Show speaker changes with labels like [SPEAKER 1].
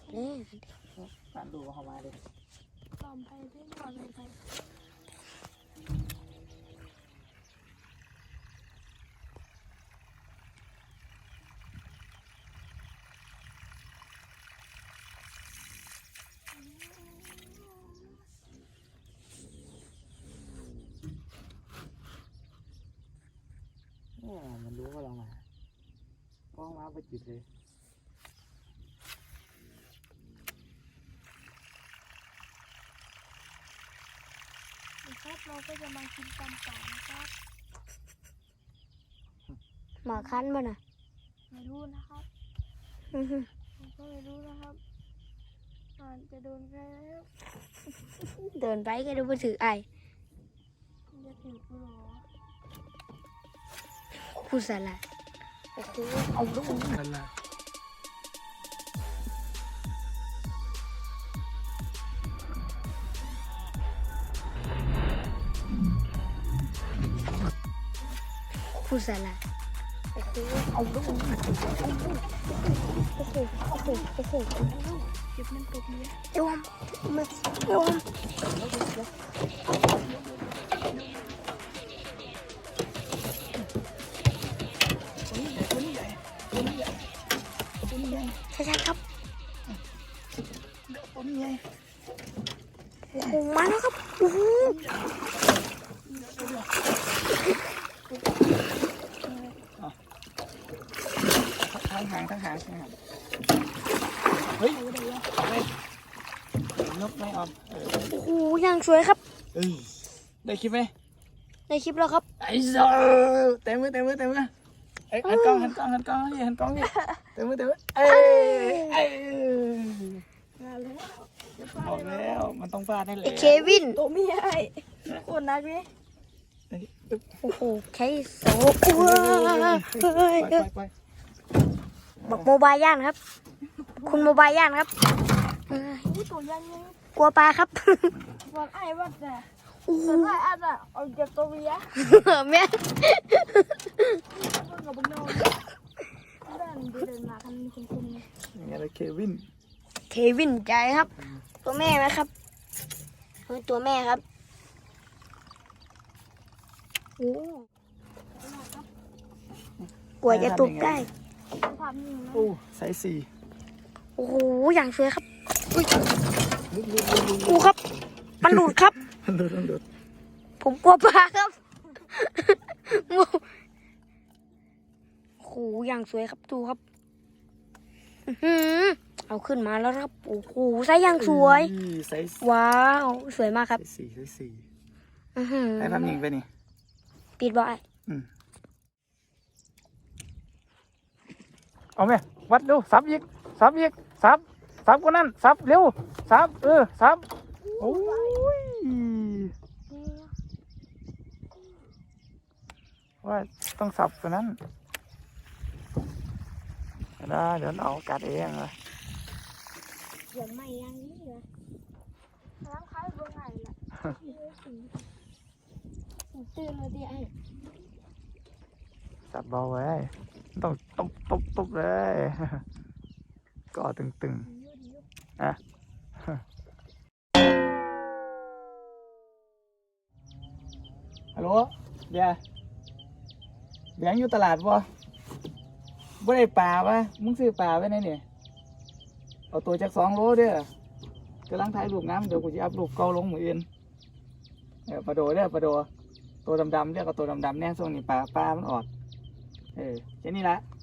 [SPEAKER 1] การดูเข้ามาเลย
[SPEAKER 2] ลอมไปได้หน่อยไป
[SPEAKER 1] มันรู้ว่าเรามาก็มาไปจิบเลย
[SPEAKER 2] ครับเราก็จะมากินตำป่านะครับ
[SPEAKER 3] หมาคั้นป่ะน่ะ
[SPEAKER 2] ไม่รู้นะครับผมก็ไม่รู้นะครับมันจะโดนใครแล้ว
[SPEAKER 3] เดินไปก็ดูไปถือไอ
[SPEAKER 2] จะถือกูหรอ
[SPEAKER 3] คู่สลัดโอ้โหเอาลูก
[SPEAKER 1] นั่นแหละ
[SPEAKER 3] คู่สลัดโอ้โหเอาลูกโอ้โหโอ้โหโอ้โหโอ้โห
[SPEAKER 2] เก็บมันตกเลย
[SPEAKER 3] เอวมมาเอวมใช่ครับโอ้โหมาแล้วครับโอ้โห
[SPEAKER 1] ทั้งหางเฮ้ยนกไม่ออก
[SPEAKER 3] โอ้โหยังสวยครับ
[SPEAKER 1] ได้คลิปไหม
[SPEAKER 3] ในคลิปแล้วครับ
[SPEAKER 1] ไอ้เจ้าเต็มมือเอ้ยหันกล้องนี่เต็มมือเอ้ย
[SPEAKER 2] มาแล้ว
[SPEAKER 1] บอกแล้วมันต้องฟาดได้เลย
[SPEAKER 3] ไอเควิน
[SPEAKER 2] ตัวไม่ใหญ่คนนักไหม
[SPEAKER 3] โอ้โหแค่สอง
[SPEAKER 1] ไป
[SPEAKER 3] บอกโมบายย่านครับ คุณโมบายย่านครับ
[SPEAKER 2] ตัวยังไง
[SPEAKER 3] กลัวปลาครับ
[SPEAKER 2] วันไอ้วัดน่ะ
[SPEAKER 3] โอ้โห
[SPEAKER 2] ตัวไอ้อันน่ะเอาจากตัวเมีย
[SPEAKER 3] แม่
[SPEAKER 2] กับบุญนอนเดินมากันคุณ
[SPEAKER 1] นี่อะไรเควิน
[SPEAKER 3] เควินใจครับ ตัวแม่ไหมครับตัวแม่ครับโอ้กว่าจะตุกได้
[SPEAKER 2] ภาพนี้นะ
[SPEAKER 1] โอ้ไซส์
[SPEAKER 3] โอ้โหอย่างสวยครับอุ้ยกูครับ มันหลุดครับ
[SPEAKER 1] ดู
[SPEAKER 3] ผมกลัวปลาครับ โอ้โหอย่างสวยครับดูครับอื้อหือเอาขึ้นมาแล้วครับ โอ้โหไซส์อย่างสวย
[SPEAKER 1] ไซส์
[SPEAKER 3] ว้าว สวยมากครับ
[SPEAKER 1] ไซส์สี่
[SPEAKER 3] อื้อหือ
[SPEAKER 1] ไอ้ภาพนิ่งไปนี่
[SPEAKER 3] ปิดบ่อย
[SPEAKER 1] เอาไหมวัดดูสับอีกสับกว่านั้นสับเร็วสับสับโอ้ยว่าต้องสับกว่านั้นได้เดี๋ยวเอากัดเองเลย
[SPEAKER 3] เดี๋ยวไม่ยังนี่เหรอ
[SPEAKER 2] น้ำคล้ายเบอร์ไหนล่ะ
[SPEAKER 3] ตื่นเลยดิไอ้
[SPEAKER 1] สับเบาไว้ต้องตบเลย ก็ตึงๆอะฮัลโหลเดี๋ยวอยู่ตลาดบ่ได้ปลาวะมึงซื้อปลาไว้ไหนเนี่ยเอาตัวจาก2 โลเด้อกำลังถ่ายรูปน้ำเดี๋ยวกูจะอัพรูปเก่าลงมืออื่นปลาโดเด้อปลาโดตัวดำๆเรียกเอาตัวดำๆแน่ส่วนนี้ปลามันออกแค่นี้ละ